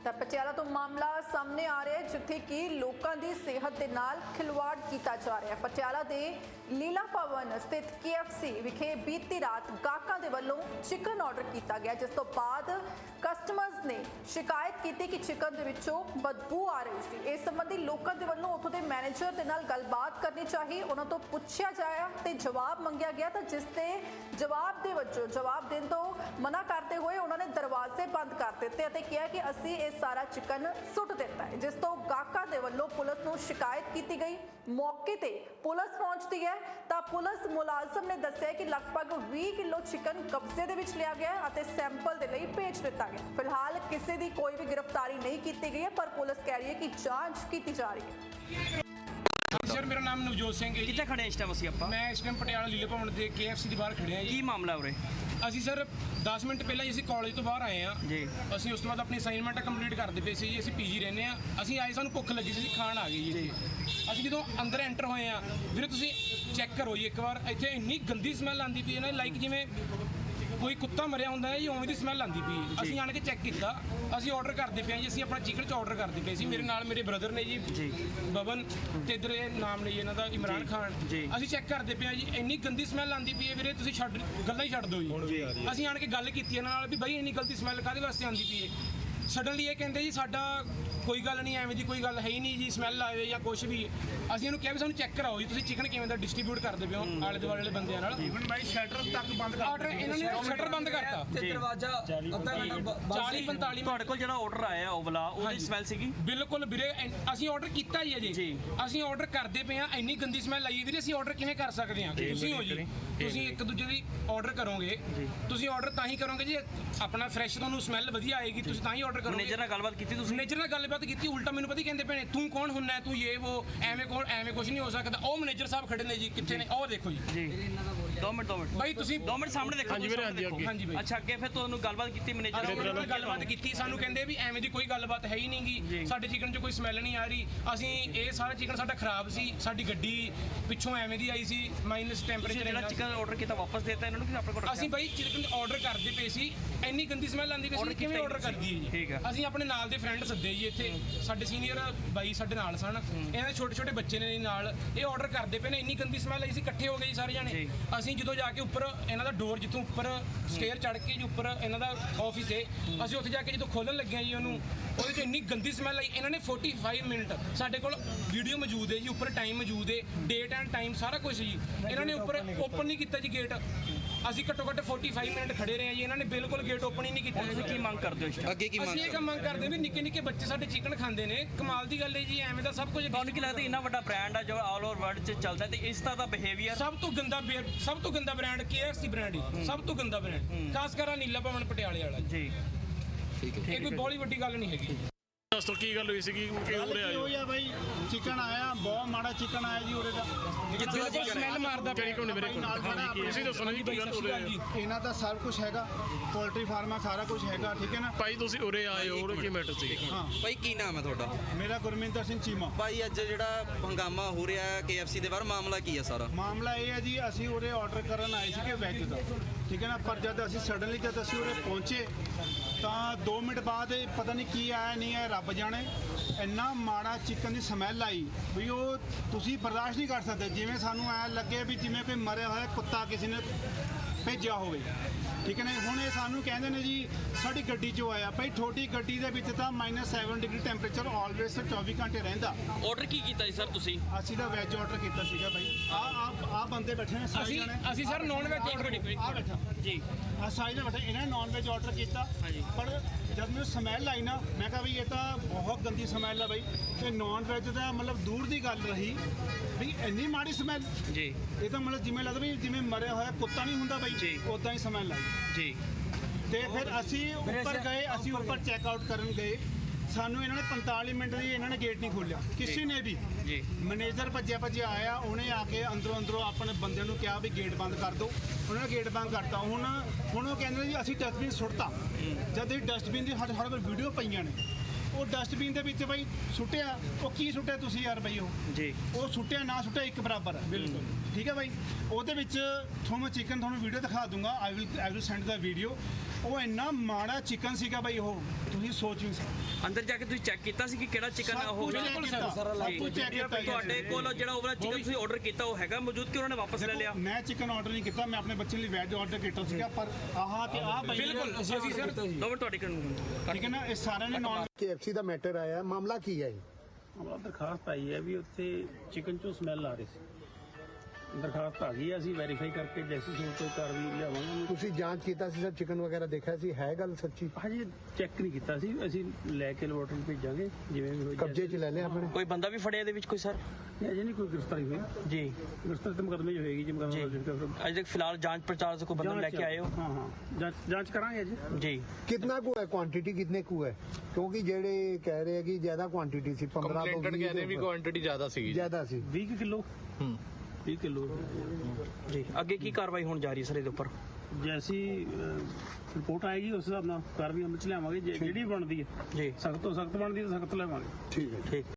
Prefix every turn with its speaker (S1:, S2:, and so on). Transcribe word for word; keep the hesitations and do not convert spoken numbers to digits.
S1: ਤਾਂ ਪਟਿਆਲਾ ਤੋਂ ਮਾਮਲਾ ਸਾਹਮਣੇ ਆ ਰਿਹਾ ਹੈ ਜਿੱਥੇ ਕਿ ਲੋਕਾਂ ਦੀ ਸਿਹਤ ਦੇ ਨਾਲ ਖਿਲਵਾੜ ਕੀਤਾ ਜਾ ਰਿਹਾ ਹੈ। ਪਟਿਆਲਾ ਦੇ ਲੀਲਾ ਭਵਨ ਸਥਿਤ ਕੇ ਐਫ ਸੀ ਵਿਖੇ ਬੀਤੀ ਰਾਤ ਗਾਹਕਾਂ ਦੇ ਵੱਲੋਂ ਚਿਕਨ ਆਰਡਰ ਕੀਤਾ ਗਿਆ, ਜਿਸ ਤੋਂ ਬਾਅਦ ਕਸਟਮਰਸ ਨੇ ਸ਼ਿਕਾਇਤ ਕੀਤੀ ਕਿ ਚਿਕਨ ਦੇ ਵਿੱਚੋਂ ਬਦਬੂ ਆ ਰਹੀ ਸੀ। ਇਸ ਸੰਬੰਧੀ ਲੋਕਾਂ ਦੇ ਵੱਲੋਂ ਉੱਥੋਂ ਦੇ ਮੈਨੇਜਰ ਦੇ ਨਾਲ ਗੱਲਬਾਤ ਕਰਨੀ ਚਾਹੀ, ਉਹਨਾਂ ਤੋਂ ਪੁੱਛਿਆ ਜਾਇਆ ਤੇ ਜਵਾਬ ਮੰਗਿਆ ਗਿਆ, ਤਾਂ ਜਿਸ ਤੇ ਜਵਾਬ ਦੇ ਵਜੋਂ ਜਵਾਬ ਦੇਣ ਤੋਂ ਮਨਾ ਕਰਦੇ ਹੋਏ ਉਹਨਾਂ ਨੇ ਦਰਵਾਜ਼ੇ ਬੰਦ ਕਰ ਦਿੱਤੇ ਅਤੇ ਕਿਹਾ ਕਿ ਅਸੀਂ ਇਹ ਸਾਰਾ ਚਿਕਨ ਸੁੱਟ ਦਿੱਤਾ ਹੈ, ਜਿਸ ਤੋਂ ਗਾਹਕਾਂ ਦੇ ਵੱਲੋਂ ਪੁਲਿਸ ਨੂੰ ਸ਼ਿਕਾਇਤ ਕੀਤੀ ਗਈ। ਮੌਕੇ ਤੇ ਪੁਲਿਸ ਪਹੁੰਚਦੀ ਹੈ ਤਾਂ ਪੁਲਿਸ ਮੁਲਾਜ਼ਮ ਨੇ ਦੱਸਿਆ ਕਿ ਲਗਭਗ ਵੀਹ ਕਿਲੋ ਚਿਕਨ ਕਬਜ਼ੇ ਦੇ ਵਿੱਚ ਲਿਆ ਗਿਆ ਅਤੇ ਸੈਂਪਲ ਦੇ ਲਈ ਭੇਜ ਦਿੱਤਾ ਗਿਆ। ਫਿਲਹਾਲ ਕਿਸੇ ਦੀ ਕੋਈ ਵੀ ਗ੍ਰਿਫਤਾਰੀ ਨਹੀਂ ਕੀਤੀ ਗਈ ਹੈ, ਪਰ ਪੁਲਿਸ ਕਹਿ ਰਹੀ ਹੈ ਕਿ ਜਾਂਚ ਕੀਤੀ ਜਾ ਰਹੀ ਹੈ।
S2: सर मेरा नाम नवजोत सिंह है।
S3: कितने खड़े हैं इस टाइम ਅਸੀਂ ਆਪਾਂ?
S2: मैं इस टाइम पटियाला लीले भवन के के एफ सी ਦੇ ਬਾਹਰ ਖੜੇ ਹਾਂ ਜੀ।
S3: ਕੀ ਮਾਮਲਾ ਉਰੇ?
S2: ਅਸੀਂ ਸਰ ਦਸ ਮਿੰਟ ਪਹਿਲਾਂ ਹੀ ਅਸੀਂ ਕਾਲਜ ਤੋਂ ਬਾਹਰ ਆਏ ਹਾਂ
S3: ਜੀ।
S2: ਅਸੀਂ ਉਸ ਤੋਂ ਬਾਅਦ ਆਪਣੀ ਅਸਾਈਨਮੈਂਟ ਕੰਪਲੀਟ ਕਰਦੇ ਪਏ ਸੀ ਜੀ। ਅਸੀਂ ਪੀਜੀ ਰਹਿੰਦੇ ਆ, ਅਸੀਂ ਆਏ ਸਾਨੂੰ ਭੁੱਖ ਲੱਗੀ ਸੀ, ਖਾਣ ਆ ਗਈ ਜੀ। ਅਸੀਂ ਜਦੋਂ ਅੰਦਰ ਐਂਟਰ ਹੋਏ ਆ ਵੀਰੇ ਤੁਸੀਂ ਚੈੱਕ ਕਰੋ ਜੀ ਇੱਕ ਵਾਰ, ਇੱਥੇ ਇੰਨੀ ਗੰਦੀ ਸਮੈਲ ਆਉਂਦੀ ਪਈ ਹੈ ਨਾ, ਲਾਈਕ ਜਿਵੇਂ ਕੋਈ ਕੁੱਤਾ ਮਰਿਆ ਹੁੰਦਾ ਹੈ ਜੀ, ਉਵੇਂ ਦੀ ਸਮੈਲ ਆਉਂਦੀ ਪਈ। ਅਸੀਂ ਆਣ ਕੇ ਚੈੱਕ ਕੀਤਾ, ਅਸੀਂ ਆਰਡਰ ਕਰਦੇ ਪਏ ਜੀ। ਅਸੀਂ ਆਪਣਾ ਚਿਕਨ ਚ ਆਰਡਰ ਕਰਦੇ ਪਏ ਸੀ, ਮੇਰੇ ਨਾਲ ਮੇਰੇ ਬ੍ਰਦਰ ਨੇ ਜੀ ਬਬਨ ਤੇ ਇੱਧਰ ਇਹ ਨਾਮ ਨੇ ਜੀ ਇਹਨਾਂ ਦਾ ਇਮਰਾਨ ਖਾਨ। ਅਸੀਂ ਚੈੱਕ ਕਰਦੇ ਪਏ ਜੀ, ਇੰਨੀ ਗੰਦੀ ਸਮੈਲ ਆਉਂਦੀ ਪਈ ਹੈ ਵੀਰੇ, ਤੁਸੀਂ ਛੱਡ ਗੱਲਾਂ ਹੀ ਛੱਡ ਦਿਓ ਜੀ। ਅਸੀਂ ਆਣ ਕੇ ਗੱਲ ਕੀਤੀ ਇਹਨਾਂ ਨਾਲ ਵੀ ਬਾਈ ਇੰਨੀ ਗਲਤੀ ਸਮੈਲ ਕਾਹਦੇ ਵਾਸਤੇ ਆਉਂਦੀ ਪਈ ਹੈ। ਸਡਨਲੀ ਇਹ ਕਹਿੰਦੇ ਜੀ ਸਾਡਾ ਕੋਈ ਗੱਲ ਨਹੀਂ, ਐਵੇਂ ਦੀ ਕੋਈ ਗੱਲ ਹੈ ਹੀ ਨਹੀਂ ਜੀ, ਸਮੈਲ ਆਵੇ ਜਾਂ ਕੁਝ ਵੀ। ਅਸੀਂ ਇਹਨੂੰ ਕਿਹਾ ਵੀ ਸਾਨੂੰ ਚੈੱਕ ਕਰਾਓ ਜੀ, ਤੁਸੀਂ ਚਿਕਨ ਕਿਵੇਂ ਦਾ ਡਿਸਟ੍ਰੀਬਿਊਟ ਕਰਦੇ ਪਏ ਹੋ ਆਲੇ ਦੁਆਲੇ ਵਾਲੇ ਬੰਦਿਆਂ ਨਾਲ।
S4: ਇਵਨ ਬਾਈ ਸ਼ਟਰ ਤੱਕ ਬੰਦ ਕਰ
S2: ਆਰਡਰ ਇਹਨਾਂ ਨੇ ਸ਼ਟਰ ਬੰਦ ਕਰਤਾ
S3: ਤੇ ਦਰਵਾਜ਼ਾ ਅੱਧਾ ਘੰਟਾ
S2: ਚਾਲੀ ਪੰਤਾਲੀ।
S3: ਤੁਹਾਡੇ ਕੋਲ ਜਿਹੜਾ ਆਰਡਰ ਆਇਆ ਉਹ ਵਾਲਾ ਉਹਦੀ ਸਮੈਲ ਸੀਗੀ?
S2: ਬਿਲਕੁਲ ਵੀਰੇ, ਅਸੀਂ ਆਰਡਰ ਕੀਤਾ ਹੀ ਹੈ ਜੀ। ਅਸੀਂ ਆਰਡਰ ਕਰਦੇ ਪਏ ਆ, ਇੰਨੀ ਗੰਦੀ ਸਮੈਲ ਆਈ ਵੀਰੇ, ਅਸੀਂ ਆਰਡਰ ਕਿਵੇਂ ਕਰ ਸਕਦੇ ਹਾਂ? ਤੁਸੀਂ ਹੋ ਜੀ, ਤੁਸੀਂ ਇੱਕ ਦੂਜੇ ਦੀ ਆਰਡਰ ਕਰੋਗੇ, ਤੁਸੀਂ ਆਰਡਰ ਤਾਂ ਹੀ ਕਰੋਗੇ ਜੀ ਆਪਣਾ ਫਰੈਸ਼, ਤੁਹਾਨੂੰ ਸਮੈਲ ਵਧੀਆ ਆਏਗੀ, ਤੁਸੀਂ ਤਾਂ ਹੀ ਆਰਡਰ ਕਰੋਗੇ।
S3: ਮੈਨੇਜਰ ਨਾਲ ਗੱਲਬਾਤ ਕੀਤੀ ਤੁਸੀਂ?
S2: ਮੈਨੇਜਰ ਨਾਲ ਗੱਲਬਾਤ ਕੀਤੀ, ਉਲਟਾ ਮੈਨੂੰ ਪਤਾ ਕਹਿੰਦੇ ਪਏ ਤੂੰ ਕੌਣ ਹੁੰਨਾ, ਤੂੰ ਇਹ ਉਹ ਐਵੇਂ ਕੋਲ ਐਵੇਂ ਕੁਝ ਨਹੀਂ ਹੋ ਸਕਦਾ। ਉਹ ਮੈਨੇਜਰ ਸਾਹਿਬ ਖੜੇ ਨੇ ਜੀ, ਕਿੱਥੇ ਨੇ ਉਹ ਦੇਖੋ ਜੀ।
S3: ਜੀ ਦੋ ਮਿੰਟ ਦੋ ਮਿੰਟ
S2: ਬਾਈ ਤੁਸੀਂ
S3: ਦੋ ਮਿੰਟ ਸਾਹਮਣੇ ਦੇਖੋ।
S4: ਹਾਂਜੀ ਵੀਰੇ, ਹਾਂਜੀ ਅੱਗੇ।
S2: ਹਾਂਜੀ ਬਾਈ।
S3: ਅੱਛਾ, ਅੱਗੇ ਫਿਰ ਤੁਹਾਨੂੰ ਗੱਲਬਾਤ ਕੀਤੀ ਮੈਨੇਜਰ
S2: ਨਾਲ? ਗੱਲਬਾਤ ਕੀਤੀ, ਸਾਨੂੰ ਕਹਿੰਦੇ ਵੀ ਐਵੇਂ ਦੀ ਕੋਈ ਗੱਲਬਾਤ ਹੈ ਹੀ ਨਹੀਂਗੀ, ਸਾਡੇ ਚਿਕਨ 'ਚ ਕੋਈ ਸਮੈਲ ਨਹੀਂ ਆ ਰਹੀ। ਅਸੀਂ ਇਹ ਸਾਰਾ ਚਿਕਨ ਸਾਡਾ ਖਰਾਬ ਸੀ, ਸਾਡੀ ਗੱਡੀ ਪਿੱਛੋਂ ਐਵੇਂ ਦੀ ਆਈ ਸੀ, ਮਾਈਨਸ ਟੈਂਪਰੇਚਰ।
S3: ਜਿਹੜਾ ਚਿਕਨ ਆਰਡਰ ਕੀਤਾ ਵਾਪਸ ਦੇਤਾ ਇਹਨਾਂ ਨੂੰ ਕਿ ਆਪਣੇ ਕੋਲ?
S2: ਅਸੀਂ ਬਾਈ ਚਿਕਨ ਆਰਡਰ ਕਰਦੇ ਪਏ ਸੀ, ਇੰਨੀ ਗੰਦੀ ਸਮੈਲ ਆਉਂਦੀ ਪਈ ਸੀ, ਕਿਵੇਂ ਆਰਡਰ ਕਰਦੀ ਹੈ ਜੀ।
S3: ਠੀਕ ਹੈ।
S2: ਅਸੀਂ ਆਪਣੇ ਨਾਲ ਦੇ ਫਰੈਂਡ ਸੱਦੇ ਜੀ, ਇੱਥੇ ਸਾਡੇ ਸੀਨੀਅਰ ਬਾਈ ਸਾਡੇ ਨਾਲ ਸਨ, ਇਹਨਾਂ ਦੇ ਛੋਟੇ ਛੋਟੇ ਬੱਚੇ ਨੇ ਨਾਲ, ਇਹ ਆਰਡਰ ਕਰਦੇ ਪਏ ਨੇ, ਇੰਨੀ ਗੰਦੀ ਸਮੈਲ ਆਈ ਸੀ, ਇਕੱਠੇ ਹੋ ਗਏ ਜੀ ਸਾਰੇ ਜਾਣੇ। ਅਸੀਂ ਜਦੋਂ ਜਾ ਕੇ ਉੱਪਰ ਇਹਨਾਂ ਦਾ ਡੋਰ ਜਿੱਥੋਂ ਉੱਪਰ ਸਟੇਅਰ ਚੜ੍ਹ ਕੇ ਜੀ ਉੱਪਰ ਇਹਨਾਂ ਦਾ ਆਫਿਸ ਹੈ, ਅਸੀਂ ਉੱਥੇ ਜਾ ਕੇ ਜਦੋਂ ਖੋਲ੍ਹਣ ਲੱਗੇ ਜੀ ਉਹਨੂੰ, ਉਹਦੇ 'ਚ ਇੰਨੀ ਗੰਦੀ ਸਮੈਲ ਆਈ। ਇਹਨਾਂ ਨੇ ਪੈਂਤਾਲੀ ਮਿੰਟ, ਸਾਡੇ ਕੋਲ ਵੀਡੀਓ ਮੌਜੂਦ ਹੈ ਜੀ, ਉੱਪਰ ਟਾਈਮ ਮੌਜੂਦ ਹੈ, ਡੇਟ ਐਂਡ ਟਾਈਮ ਸਾਰਾ ਕੁਝ ਜੀ। ਇਹਨਾਂ ਨੇ ਉੱਪਰ ਓਪਨ ਨਹੀਂ ਕੀਤਾ ਜੀ ਗੇਟ, ਅਸੀਂ ਘੱਟੋ ਘੱਟ ਪੈਂਤਾਲੀ ਮਿੰਟ ਖੜੇ ਰਹੇ ਹਾਂ ਜੀ, ਇਹਨਾਂ ਨੇ ਬਿਲਕੁਲ ਗੇਟ ਓਪਨ ਹੀ ਨਹੀਂ ਕੀਤਾ।
S3: ਤੁਸੀਂ ਕੀ ਮੰਗ ਕਰਦੇ ਹੋ ਇਸ ਟਾਈਮ?
S5: ਅੱਗੇ ਕੀ
S2: ਅਸੀਂ ਇਹ ਮੰਗ ਕਰਦੇ ਵੀ ਨਿੱਕੇ ਨਿੱਕੇ ਬੱਚੇ ਸਾਡੇ ਚਿਕਨ ਖਾਂਦੇ ਨੇ, ਕਮਾਲ ਦੀ ਗੱਲ ਹੈ ਜੀ, ਐਵੇਂ ਦਾ ਸਭ ਕੁਝ।
S3: ਤੁਹਾਨੂੰ ਕੀ ਲੱਗਦਾ ਇੰਨਾ ਵੱਡਾ ਬ੍ਰਾਂਡ ਆ ਜੋ ਆਲ ਓਵਰ ਵਰਲਡ 'ਚ ਚੱਲਦਾ ਤੇ ਇਸ ਤਰ੍ਹਾਂ ਦਾ ਬਿਹੇਵੀਅਰ?
S2: ਸਭ ਤੋਂ ਗੰਦਾ ਸਭ ਤੋਂ ਗੰਦਾ brand K F C brand ਹੀ, ਸਭ ਤੋਂ ਗੰਦਾ ਬ੍ਰਾਂਡ, ਖਾਸ ਕਰ ਨੀਲਾ ਭਵਨ ਪਟਿਆਲੇ ਵਾਲਾ
S3: ਜੀ।
S5: ਠੀਕ ਹੈ।
S2: ਇਹ ਕੋਈ ਬਹੁਤ ਵੱਡੀ ਗੱਲ ਨਹੀਂ ਹੈਗੀ।
S4: ਦੱਸੋ ਕੀ ਗੱਲ ਹੋਈ ਸੀਗੀ ਕਿ ਉਰੇ ਆਏ ਹੋ?
S6: ਹੋਈ ਆ ਬਾਈ, ਚਿਕਨ ਆਇਆ, ਬਹੁਤ ਮਾੜਾ ਚਿਕਨ ਆਇਆ ਜੀ ਉਰੇ ਦਾ।
S2: ਬਿਲਕੁਲ ਸਮੈਲ ਮਾਰਦਾ
S4: ਕਿਹੜੀ ਕੋਲ ਮੇਰੇ ਕੋਲ? ਹਾਂਜੀ ਤੁਸੀਂ ਦੱਸੋ ਨਾ ਜੀ ਕੀ ਗੱਲ ਉਰੇ ਆਏ?
S6: ਇਹਨਾਂ ਦਾ ਸਭ ਕੁਝ ਹੈਗਾ, ਪੋਲਟਰੀ ਫਾਰਮ ਆ, ਸਾਰਾ ਕੁਝ ਹੈਗਾ, ਠੀਕ ਹੈ ਨਾ
S4: ਭਾਈ ਤੁਸੀਂ ਉਰੇ ਆਏ ਹੋ, ਉਰੇ ਕੀ ਮੈਟਰ ਸੀ?
S6: ਹਾਂ,
S5: ਭਾਈ ਕੀ ਨਾਮ ਹੈ ਤੁਹਾਡਾ?
S6: ਮੇਰਾ ਗੁਰਮਿੰਦਰ ਸਿੰਘ ਚੀਮਾ।
S5: ਭਾਈ ਅੱਜ ਜਿਹੜਾ ਹੰਗਾਮਾ ਹੋ ਰਿਹਾ ਹੈ ਕੇ ਐਫ ਸੀ ਦੇ ਬਾਹਰ, ਮਾਮਲਾ ਕੀ ਹੈ ਸਾਰਾ?
S6: ਮਾਮਲਾ ਇਹ ਹੈ ਜੀ, ਅਸੀਂ ਉਰੇ ਆਰਡਰ ਕਰਨ ਆਏ ਸੀਗੇ ਵੈਜ ਦਾ, ਠੀਕ ਹੈ ਨਾ, ਪਰ ਜਦ ਅਸੀਂ ਸਡਨਲੀ ਜਦ ਅਸੀਂ ਉਰੇ ਪਹੁੰਚੇ ਤਾਂ ਦੋ ਮਿੰਟ ਬਾਅਦ ਪਤਾ ਨਹੀਂ ਕੀ ਆਇਆ ਨਹੀਂ ਆਇਆ, ਰੱਬ ਜਾਣੇ, ਇੰਨਾ ਮਾੜਾ ਚਿਕਨ ਦੀ ਸਮੈਲ ਆਈ ਵੀ ਉਹ ਤੁਸੀਂ ਬਰਦਾਸ਼ਤ ਨਹੀਂ ਕਰ ਸਕਦੇ। ਜਿਵੇਂ ਸਾਨੂੰ ਐਂ ਲੱਗੇ ਵੀ ਜਿਵੇਂ ਕੋਈ ਮਰਿਆ ਹੋਇਆ ਕੁੱਤਾ ਕਿਸੇ ਨੇ ਭੇਜਿਆ ਹੋਵੇ, ਠੀਕ ਹੈ ਨਾ। ਹੁਣ ਇਹ ਸਾਨੂੰ ਕਹਿੰਦੇ ਨੇ ਜੀ ਸਾਡੀ ਗੱਡੀ 'ਚੋਂ ਆਇਆ। ਭਾਈ ਤੁਹਾਡੀ ਗੱਡੀ ਦੇ ਵਿੱਚ ਤਾਂ minus seven degree temperature always ਚੌਵੀ ਘੰਟੇ ਰਹਿੰਦਾ।
S3: ਆਰਡਰ ਕੀ ਕੀਤਾ ਜੀ ਸਰ ਤੁਸੀਂ?
S6: ਅਸੀਂ ਤਾਂ ਵੈਜ ਆਰਡਰ ਕੀਤਾ ਸੀਗਾ ਬਾਈ। ਆ ਆ ਆ ਬੰਦੇ ਬੈਠੇ ਨੇ ਸਾਰੇ
S2: ਅਸੀਂ
S6: ਜਣੇ,
S2: ਅਸੀਂ ਸਰ ਨੌਨ ਵੈਜ ਆਰਡਰ
S6: ਆ ਬੈਠਾ
S3: ਜੀ,
S6: ਆ ਸਾਰੇ ਜਣੇ ਬੈਠੇ, ਇਹਨਾਂ ਨੇ ਨੌਨ ਵੈਜ ਆਰਡਰ ਕੀਤਾ। ਪਰ ਜਦ ਮੈਨੂੰ ਸਮੈਲ ਆਈ ਨਾ, ਮੈਂ ਕਿਹਾ ਵੀ ਇਹ ਤਾਂ ਬਹੁਤ ਗੰਦੀ ਸਮੈਲ ਆ ਬਾਈ। ਤੇ ਨੌਨ ਵੈਜ ਦਾ ਮਤਲਬ ਦੂਰ ਦੀ ਗੱਲ ਰਹੀ ਵੀ ਇੰਨੀ ਮਾੜੀ ਸਮੈਲ
S3: ਜੀ।
S6: ਇਹ ਤਾਂ ਮਤਲਬ ਜਿਵੇਂ ਲੱਗਦਾ ਵੀ ਜਿਵੇਂ ਮਰਿਆ ਹੋਇਆ ਕੁੱਤਾ ਨਹੀਂ ਹੁੰਦਾ ਬਾਈ, ਉਦਾਂ ਹੀ ਸਮੈਲ ਆਈ
S3: ਜੀ।
S6: ਤੇ ਫਿਰ ਅਸੀਂ ਉੱਪਰ ਗਏ, ਅਸੀਂ ਉੱਪਰ ਚੈੱਕ ਆਊਟ ਕਰਨ ਗਏ, ਸਾਨੂੰ ਇਹਨਾਂ ਨੇ ਪੰਤਾਲੀ ਮਿੰਟ ਦੀ ਇਹਨਾਂ ਨੇ ਗੇਟ ਨਹੀਂ ਖੋਲ੍ਹਿਆ ਕਿਸੇ ਨੇ ਵੀ
S3: ਜੀ।
S6: ਮੈਨੇਜਰ ਭੱਜਿਆ ਭੱਜਿਆ ਆਇਆ, ਉਹਨੇ ਆ ਕੇ ਅੰਦਰੋਂ ਅੰਦਰੋਂ ਆਪਣੇ ਬੰਦਿਆਂ ਨੂੰ ਕਿਹਾ ਵੀ ਗੇਟ ਬੰਦ ਕਰ ਦਿਓ, ਉਹਨਾਂ ਨੇ ਗੇਟ ਬੰਦ ਕਰਤਾ। ਹੁਣ ਹੁਣ ਉਹ ਕਹਿੰਦੇ ਜੀ ਅਸੀਂ ਡਸਟਬਿਨ ਸੁੱਟਤਾ, ਜਦ ਇਹ ਡਸਟਬਿਨ ਦੀ ਸਾਡੇ ਸਾਡੇ ਕੋਲ ਵੀਡੀਓ ਪਈਆਂ ਨੇ। ਉਹ ਡਸਟਬਿਨ ਦੇ ਵਿੱਚ ਬਾਈ ਸੁੱਟਿਆ, ਉਹ ਕੀ ਸੁੱਟਿਆ ਤੁਸੀਂ ਯਾਰ ਬਾਈ? ਉਹ
S3: ਜੀ
S6: ਉਹ ਸੁੱਟਿਆ ਨਾ ਸੁੱਟਿਆ ਇੱਕ ਬਰਾਬਰ ਹੈ। ਬਿਲਕੁਲ ਠੀਕ ਹੈ ਬਾਈ। ਉਹਦੇ ਵਿੱਚ ਤੁਹਾਨੂੰ ਚਿਕਨ ਤੁਹਾਨੂੰ ਵੀਡੀਓ ਦਿਖਾ ਦੂੰਗਾ, I will I will send the video. ਉਹ ਇੰਨਾ ਮਾੜਾ ਚਿਕਨ ਸੀਗਾ ਬਾਈ, ਉਹ ਤੁਸੀਂ ਸੋਚ ਵੀ ਸਕਦੇ
S3: ਅੰਦਰ ਜਾ ਕੇ ਤੁਸੀਂ ਚੈੱਕ ਕੀਤਾ ਸੀ ਕਿ ਕਿਹੜਾ ਚਿਕਨ
S6: ਸਭ
S3: ਉਹ
S6: ਕੁਝ check ਕੀਤਾ, ਸਭ ਕੁਝ check ਕੀਤਾ ਜੀ।
S3: ਤੁਹਾਡੇ ਕੋਲ ਜਿਹੜਾ ਉਹ ਚਿਕਨ ਤੁਸੀਂ ਆਰਡਰ ਕੀਤਾ ਉਹ ਹੈਗਾ ਮੌਜੂਦ ਕਿ ਉਹਨਾਂ ਨੇ ਵਾਪਸ ਲੈ ਲਿਆ?
S6: ਮੈਂ ਚਿਕਨ ਆਰਡਰ ਨਹੀਂ ਕੀਤਾ, ਮੈਂ ਆਪਣੇ ਬੱਚੇ ਲਈ ਵੈਜ ਆਰਡਰ ਕੀਤਾ ਸੀਗਾ, ਪਰ ਆਹ ਤੇ ਆਹ ਭਾਈ
S2: ਬਿਲਕੁਲ ਅਸੀਂ ਸਰ
S3: ਦੋ ਮਿੰਟ ਤੁਹਾਡੀ ਕਰਨ
S6: ਠੀਕ ਹੈ ਨਾ, ਇਹ ਸਾਰਿਆਂ ਨੇ ਨੌਨ
S7: ਕੇਐਫਸੀ ਦਾ ਮੈਟਰ ਆਇਆ, ਮਾਮਲਾ ਕੀ ਹੈ ਇਹ?
S8: ਹਮਾਰਾ ਦਰਖਾਸਤ ਆਈ ਹੈ ਵੀ ਉੱਥੇ ਚਿਕਨ ਚੋਂ ਸਮੈਲ ਆ ਰਹੀ ਸੀ। ਦਰਖਾਸਤ ਆ ਗਈ ਹੈ, ਅਸੀਂ ਵੈਰੀਫਾਈ ਕਰਕੇ ਜੈਸੀ ਸੂਰਤ ਤੋਂ ਕਾਰਵਾਈ ਲਿਆਵਾਂਗੇ।
S7: ਤੁਸੀਂ ਜਾਂਚ ਕੀਤਾ ਸੀ ਸਰ, ਚਿਕਨ ਵਗੈਰਾ ਦੇਖਿਆ ਸੀ, ਹੈ ਗੱਲ ਸੱਚੀ?
S8: ਹਜੇ ਚੈੱਕ ਨਹੀਂ ਕੀਤਾ ਸੀ, ਅਸੀਂ ਲੈ ਕੇ ਲੈਬੋਰਟਰੀ ਭੇਜਾਂਗੇ ਜਿਵੇਂ ਵੀ ਹੋਈ।
S7: ਕਬਜ਼ੇ 'ਚ ਲੈ ਲਿਆ ਆਪਣੇ?
S3: ਕੋਈ ਬੰਦਾ ਵੀ ਫੜਿਆ ਇਹਦੇ ਵਿੱਚ ਕੋਈ ਸਰ?
S8: ਨਹੀਂ, ਅਜੇ ਨਹੀਂ ਕੋਈ ਗ੍ਰਿਫਤਾਰੀ ਹੋਈ।
S3: ਜੀ
S8: ਗ੍ਰਿਫਤਾਰੀ ਤਾਂ ਮੁਕੱਦਮੇ 'ਚ ਹੋਏਗੀ ਜੀ, ਮੁਕੱਦਮਾ
S3: ਅਜੇ ਤੱਕ ਫਿਲਹਾਲ ਜਾਂਚ ਪੜਤਾਲ से कोई बंदा लेके आए हो?
S8: ਹਾਂ ਹਾਂ ਜਾਂਚ ਜਾਂਚ ਕਰਾਂਗੇ ਜੀ।
S3: जी
S7: ਕਿੰਨਾ ਕੁ ਹੈ ਕੁਆਂਟੀਟੀ, ਕਿੰਨੇ ਕੁ ਹੈ? ਕਿਉਂਕਿ ਜਿਹੜੇ ਕਹਿ ਰਹੇ ਆ ਕਿ ਜ਼ਿਆਦਾ ਕੁਆਂਟੀਟੀ ਸੀ, ਪੰਦਰਾਂ ਤੋਂ
S4: ਕੰਪਲੇਂਟਡ ਕਹਿੰਦੇ ਵੀ ਕੁਆਂਟੀਟੀ ਜ਼ਿਆਦਾ ਸੀਗੀ।
S7: ਜ਼ਿਆਦਾ ਸੀ।
S8: ਵੀਹ ਕਿਲੋ ਹੂੰ ਵੀਹ ਕਿਲੋ
S3: जी ਅੱਗੇ ਕੀ ਕਾਰਵਾਈ ਹੋਣ ਜਾ ਰਹੀ ਹੈ ਸਰ ਇਹਦੇ ਉੱਪਰ?
S8: ਜੈਸੀ ਰਿਪੋਰਟ ਆਏਗੀ ਉਸ ਹਿਸਾਬ ਨਾਲ ਕਾਰਵਾਈ ਅਮਲ ਚ ਲਿਆਵਾਂਗੇ। ਜੇ- ਜਿਹੜੀ ਬਣਦੀ ਹੈ
S3: ਜੀ
S8: ਸਖਤ ਤੋਂ ਸਖਤ ਬਣਦੀ ਹੈ ਤਾਂ ਸਖਤ ਲਿਆਵਾਂਗੇ।
S7: ਠੀਕ ਹੈ।
S3: ਠੀਕ